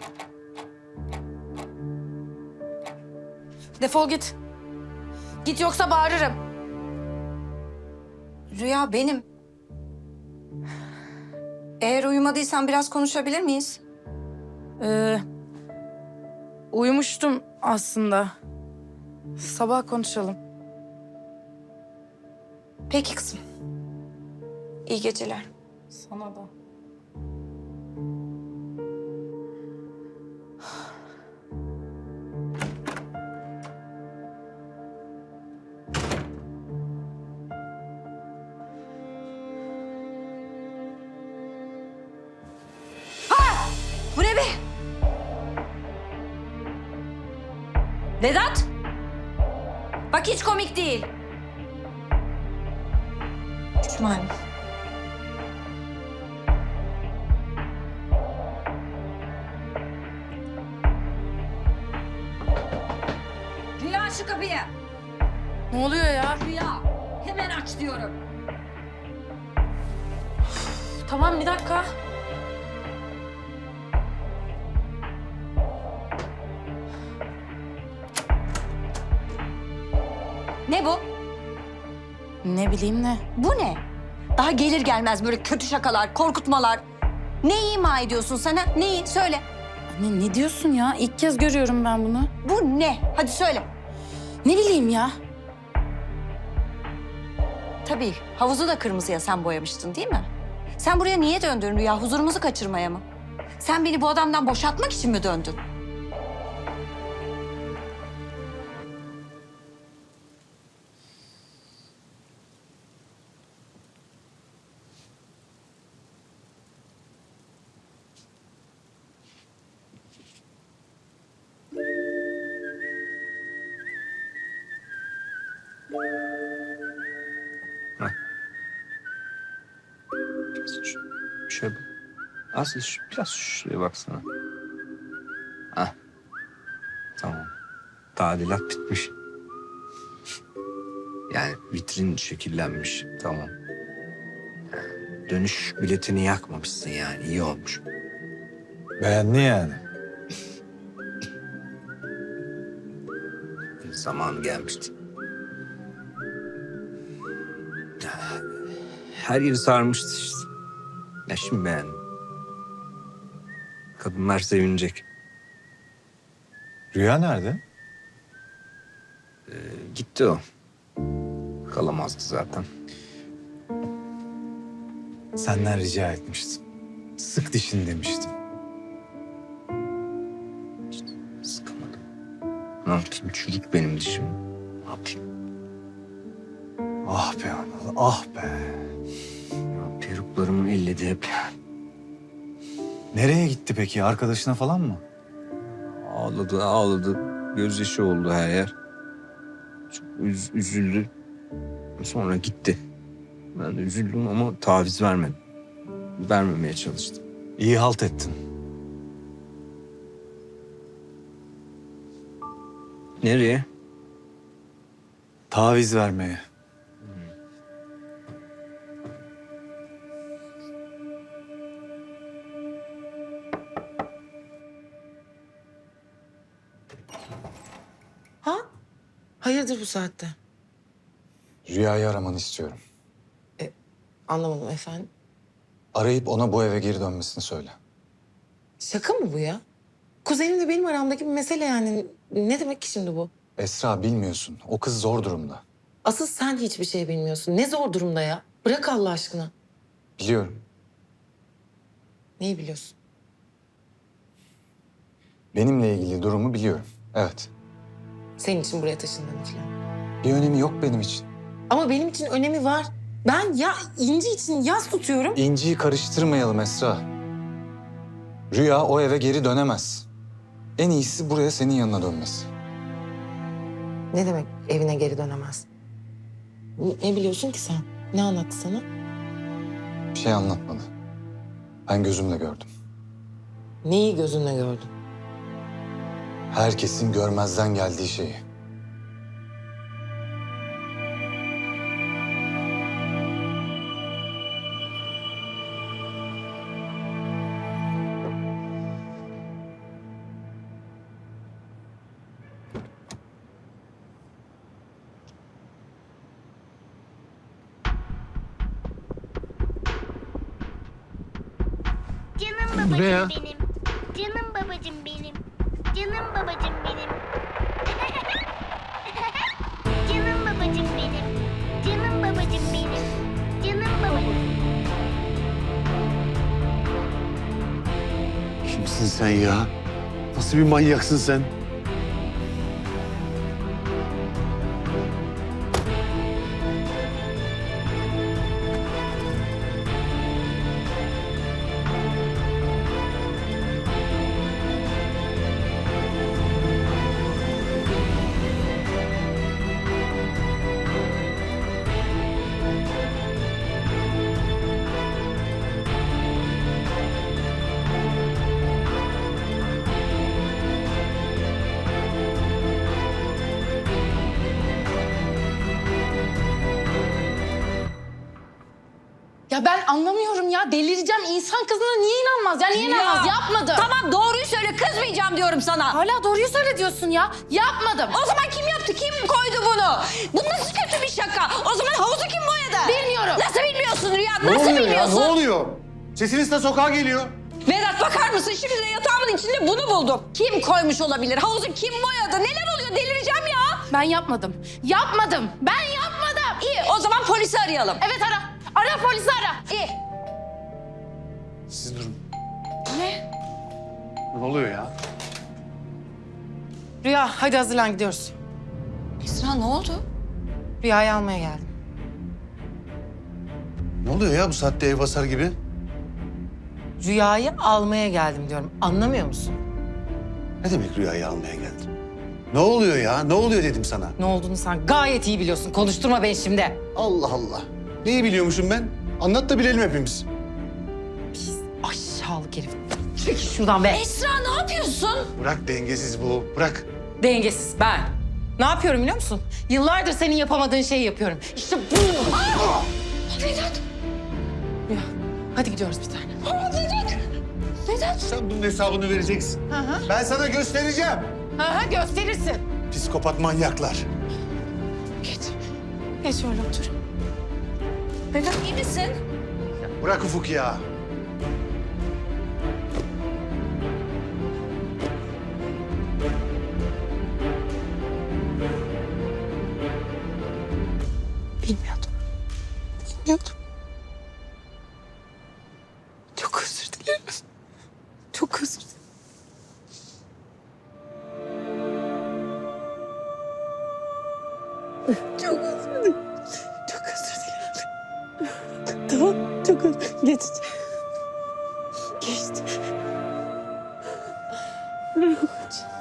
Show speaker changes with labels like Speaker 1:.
Speaker 1: Defol git. Git yoksa bağırırım.
Speaker 2: Rüya benim. Eğer uyumadıysan biraz konuşabilir miyiz?
Speaker 1: Uyumuştum aslında. Sabah konuşalım.
Speaker 2: Peki kızım. İyi geceler.
Speaker 1: Sana da.
Speaker 2: Bu ne be? Vedat! Bak hiç komik değil. İsmail. Rüya şu kapıyı.
Speaker 1: Ne oluyor ya?
Speaker 2: Rüya hemen aç diyorum.
Speaker 1: Tamam, bir dakika.
Speaker 2: Ne bu?
Speaker 1: Ne bileyim ne?
Speaker 2: Bu ne? Daha gelir gelmez böyle kötü şakalar, korkutmalar. Ne ima ediyorsun sana? Neyi? Söyle.
Speaker 1: Anne ne diyorsun ya? İlk kez görüyorum ben bunu.
Speaker 2: Bu ne? Hadi söyle.
Speaker 1: Ne bileyim ya?
Speaker 2: Tabii havuzu da kırmızıya sen boyamıştın değil mi? Sen buraya niye döndün Rüya? Huzurumuzu kaçırmaya mı? Sen beni bu adamdan boşaltmak için mi döndün?
Speaker 3: Şöyle bak. Aslı biraz şuraya baksana. Hah. Tamam. Tadilat bitmiş. Yani vitrin şekillenmiş. Tamam. Dönüş biletini yakmamışsın yani. İyi olmuş.
Speaker 4: Beğendi yani.
Speaker 3: Zamanı gelmişti. Her yeri sarmıştı işte. Ya şimdi beğendim. Kadınlar sevinecek.
Speaker 4: Rüya nerede?
Speaker 3: Gitti o. Kalamazdı zaten.
Speaker 4: Senden rica etmiştim. Sık dişini demiştim.
Speaker 3: Sıkamadım. Ne yapayım? Çürük benim dişim. Ne yapayım?
Speaker 4: Ah be Anıl, ah be.
Speaker 3: Ya, peruklarımı elledi hep.
Speaker 4: Nereye gitti peki? Arkadaşına falan mı?
Speaker 3: Ağladı, ağladı. Gözyaşı oldu her yer. Çok üzüldü. Sonra gitti. Ben de üzüldüm ama taviz vermedim. Vermemeye çalıştım.
Speaker 4: İyi halt ettin.
Speaker 3: Nereye?
Speaker 4: Taviz vermeye.
Speaker 5: Ha? Hayırdır bu saatte?
Speaker 4: Rüyayı aramanı istiyorum.
Speaker 5: Anlamadım efendim.
Speaker 4: Arayıp ona bu eve geri dönmesini söyle.
Speaker 5: Şaka mı bu ya? Kuzenimle benim aramdaki bir mesele yani. Ne demek ki şimdi bu?
Speaker 4: Esra bilmiyorsun. O kız zor durumda.
Speaker 5: Asıl sen hiçbir şey bilmiyorsun. Ne zor durumda ya. Bırak Allah aşkına.
Speaker 4: Biliyorum.
Speaker 5: Neyi biliyorsun?
Speaker 4: Benimle ilgili durumu biliyorum. Evet.
Speaker 5: Senin için buraya taşındığını falan.
Speaker 4: Bir önemi yok benim için.
Speaker 5: Ama benim için önemi var. Ben ya İnci için yas tutuyorum.
Speaker 4: İnci'yi karıştırmayalım Esra. Rüya o eve geri dönemez. En iyisi buraya senin yanına dönmesi.
Speaker 5: Ne demek evine geri dönemez? Ne biliyorsun ki sen? Ne anlattı sana?
Speaker 4: Bir şey anlatmadı. Ben gözümle gördüm.
Speaker 5: Neyi gözünle gördün?
Speaker 4: Herkesin görmezden geldiği şeyi.
Speaker 6: babacığım
Speaker 3: ne ya?
Speaker 6: benim. Canım babacığım benim. Canım babacığım benim. Canım babacığım benim. Canım babacığım benim. Canım babacığım.
Speaker 7: Kimsin sen ya? Nasıl bir manyaksın sen?
Speaker 1: Ya ben anlamıyorum ya. Delireceğim. İnsan kızına niye inanmaz ya? Niye inanmaz? Yapmadım.
Speaker 2: Tamam doğruyu söyle, kızmayacağım diyorum sana.
Speaker 1: Hala doğruyu söyle diyorsun ya. Yapmadım.
Speaker 2: O zaman kim yaptı, kim koydu bunu? Bu nasıl kötü bir şaka? O zaman havuzu kim boyadı?
Speaker 1: Bilmiyorum.
Speaker 2: Nasıl bilmiyorsun Rüya?
Speaker 7: Ne
Speaker 2: Nasıl
Speaker 7: oluyor ya?
Speaker 2: bilmiyorsun?
Speaker 7: Ne oluyor? Sesiniz de sokağa geliyor.
Speaker 2: Vedat bakar mısın? Şimdi de yatağımın içinde bunu buldum. Kim koymuş olabilir? Havuzu kim boyadı? Neler oluyor? Delireceğim ya.
Speaker 1: Ben yapmadım. Yapmadım. Ben yapmadım.
Speaker 2: İyi, o zaman polisi arayalım.
Speaker 1: Evet ara. Ara polisi ara.
Speaker 2: İyi.
Speaker 7: Siz durun.
Speaker 1: Ne?
Speaker 7: Ne oluyor ya?
Speaker 5: Rüya hadi hazırlan gidiyoruz.
Speaker 2: Esra ne oldu?
Speaker 5: Rüya'yı almaya geldim.
Speaker 7: Ne oluyor ya bu saatte ev basar gibi?
Speaker 5: Rüya'yı almaya geldim diyorum. Anlamıyor musun?
Speaker 7: Ne demek rüyayı almaya geldin? Ne oluyor ya? Ne oluyor dedim sana.
Speaker 5: Ne olduğunu sen gayet iyi biliyorsun. Konuşturma beni şimdi.
Speaker 7: Allah Allah. Neyi biliyormuşum ben? Anlat da bilelim hepimiz.
Speaker 5: Aşağılık herif. Çekil şuradan be.
Speaker 2: Esra ne yapıyorsun?
Speaker 7: Bırak dengesiz bu. Bırak.
Speaker 5: Dengesiz ben. Ne yapıyorum biliyor musun? Yıllardır senin yapamadığın şeyi yapıyorum. İşte bu.
Speaker 2: Vedat.
Speaker 5: Rüya hadi gidiyoruz bir tane.
Speaker 2: Vedat.
Speaker 7: Sen bunun hesabını vereceksin.
Speaker 5: Hı hı.
Speaker 7: Ben sana göstereceğim.
Speaker 5: Ha gösterirsin.
Speaker 7: Psikopat manyaklar.
Speaker 5: Geç. Geç şöyle otur.
Speaker 2: Vedat iyi misin?
Speaker 7: Bırak Ufuk ya.
Speaker 5: Bilmiyordum. Bilmiyordum. Çok özür dilerim. Çok özür dilerim. Çok özür dilerim. Çok özür dilerim. Tamam, çok özür. Geçti. Geçti.